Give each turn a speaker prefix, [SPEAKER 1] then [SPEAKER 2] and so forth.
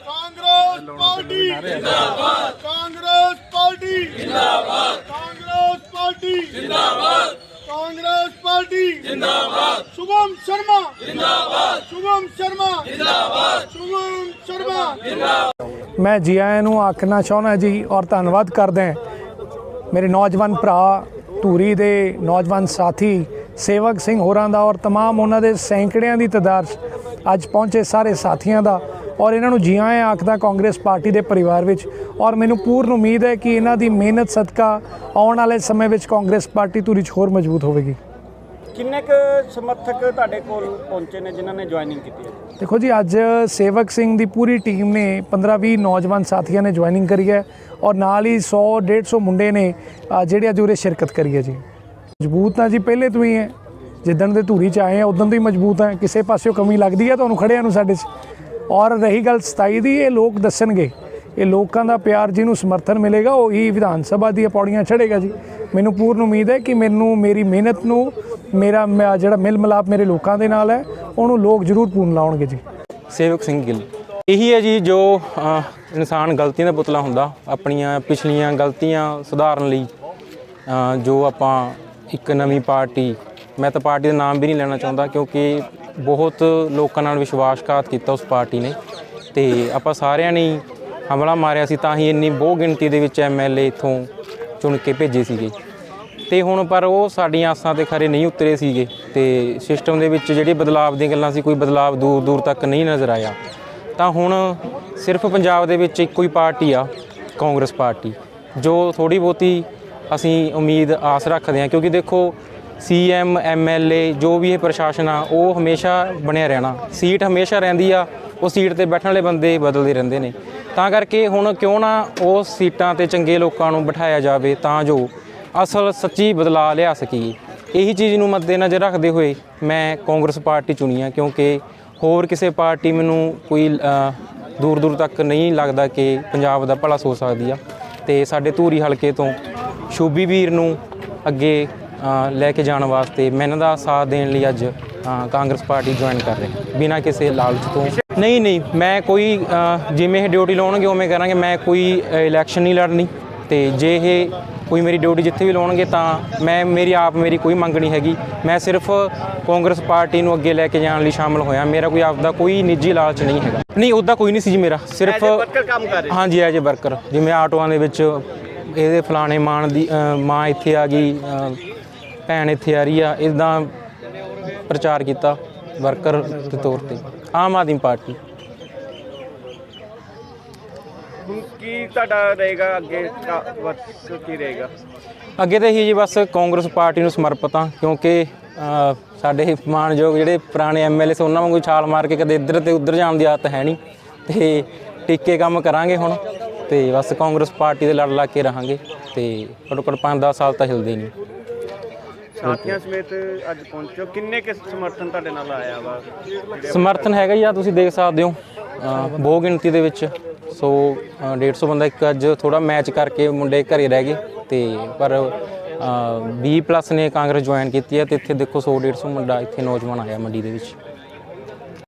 [SPEAKER 1] Congress party जिंदाबाद, Congress party जिंदाबाद, Congress party जिंदाबाद, कांग्रेस पार्टी जिंदाबाद, शुभम शर्मा जिंदाबाद, शुभम शर्मा जिंदाबाद, शुभम शर्मा जिंदाबाद।
[SPEAKER 2] मैं जी आया नूं आखना चाहुंदा जी और धन्नवाद करदा मेरे नौजवान भरा धूरी दे नौजवान साथी सेवक सिंह होरां दा और तमाम उन्हां दे सैकड़ियां दी तादाद अज पहुंचे सारे साथियों का और इन्हों जी आया आखदा कांग्रेस पार्टी के परिवार विच। और मैनूं पूर्ण उम्मीद है कि इन्हां दी मेहनत सदका आउण वाले समय विच कांग्रेस पार्टी धूरी च होर मजबूत होवेगी।
[SPEAKER 3] किन्ने क समर्थक तुहाडे कोल पहुंचे ने जिन्हां ने ज्वाइनिंग की है?
[SPEAKER 2] देखो जी, अज सेवक सिंह की पूरी टीम ने 15-20 नौजवान साथियों ने ज्वाइनिंग करी है और नाल ही 100-150 मुंडे ने जिहड़े अज उरे शिरकत करी है जी। मजबूत ना जी पहले तो ही है, जिदन दे धूरी च आए हैं उदन तो ही मजबूत है, किसी पासों कमी लगती है तुहानूं खड़ियां नूं साडे च। और रही गल 27 की, ये लोग दसणगे, ये लोगों का प्यार जिन्हों समर्थन मिलेगा वही विधान सभा दी पौड़ियां चढ़ेगा जी। मैनूं पूर्ण उम्मीद है कि मैनूं मेरी मेहनत नूं मेरा जिहड़ा मिल मिलाप मेरे लोगों के नाल है उन्होंने लोग जरूर पूर्ण लाउणगे जी।
[SPEAKER 4] सेवक सिंह गिल यही है जी, जो इंसान गलतियों का पुतला हुंदा, अपनियां पिछलियां गलतियां सुधारन लई जो आपां एक नवीं पार्टी, मैं तो पार्टी का नाम भी नहीं लेना चाहता क्योंकि बहुत लोगों नाल विश्वासघात किया उस पार्टी ने, तो आप सारिਆਂ ने हमला मारिया सी, तां ही इन्नी बहु गिणती दे विच MLA इत्थों चुन के भेजे सीगे, ते हुण पर वो साडीआं आसां ते खरे नहीं उतरे सीगे, ते सिस्टम दे विच जिहड़े बदलाव दी गल्लां सी कोई बदलाव दूर दूर तक नहीं नज़र आया। तां हुण सिर्फ पंजाब दे विच इक्को ही पार्टी आ कांग्रेस पार्टी, जो थोड़ी बहुती असीं उम्मीद आस रखते हैं, क्योंकि देखो CM MLA जो भी है प्रशासन आ वो हमेशा बनया रहना, सीट हमेशा रहिंदी आ, वो सीट ते बैठण वाले बंदे बदलते रहंदे ने, तां करके हुण क्यों ना उस सीटां ते चंगे लोकां नूं बिठाया जावे तां जो असल सच्ची बदलाव लिया सकीए। यही चीज़ नूं मद्देनज़र रखते हुए मैं कांग्रेस पार्टी चुनी है, क्योंकि होर किसी पार्टी मैनूं कोई दूर दूर तक नहीं लगता कि पंजाब दा भला सोच सकदी आ, ते साडे धूरी हलके तो शोभी वीर नूं अगे लैके जाने वास्ते मैं इन्हां दा साथ देने लिए अज कांग्रेस पार्टी ज्वाइन कर रहे बिना किसी लालच तो। नहीं, मैं कोई जिवें ड्यूटी लाउणगे उवें करांगे, मैं कोई इलैक्शन नहीं लड़नी, तो जे ये कोई मेरी ड्यूटी जिथे भी लाउणगे तां मेरी कोई मंग नहीं हैगी, मैं सिर्फ कांग्रेस पार्टी नूं अगे लैके जाण लई शामिल होया, मेरा कोई आपदा कोई निजी लालच नहीं हैगा। नहीं उदा कोई नहीं सी जी, मेरा सिर्फ हाँ जी एज ए वर्कर, जिवें आटोआं दे विच ਇਹਦੇ फलाने मां दी मां इत्थे आ गई, भैन इत्थे आ रही है, इदां प्रचार किया वर्कर के तौर पर आम आदमी पार्टी।
[SPEAKER 3] की तुहाडा रहेगा अगे की रहेगा?
[SPEAKER 4] अगे तो ही जी बस कांग्रेस पार्टी नूं समर्पित हाँ, क्योंकि साडे मानयोग जिहड़े पुराने MLA से उन्हां वांगू छाल मार के कदे इधर ते उधर जाण दी आदत है नहीं, तो टिके काम करांगे हुण, तो बस कांग्रेस पार्टी दे लड़ ला के रहांगे, तो घट्टो घट्ट 5-10 साल तो हिलदे नहीं।
[SPEAKER 3] साथियों समेत अज पहुंचो, किन्ने के समर्थन तुहाडे नाल आया वा?
[SPEAKER 4] समर्थन हैगा जी, तुसीं देख सकदे हो बहु गिणती दे विच 100-150 बंदा एक अज थोड़ा मैच करके मुंडे घरे रह गए, तो पर 20+ ने कांग्रेस ज्वाइन की है, तो इत्थे देखो 100-150 मुंडा इत्थे नौजवान आया मंडी दे विच।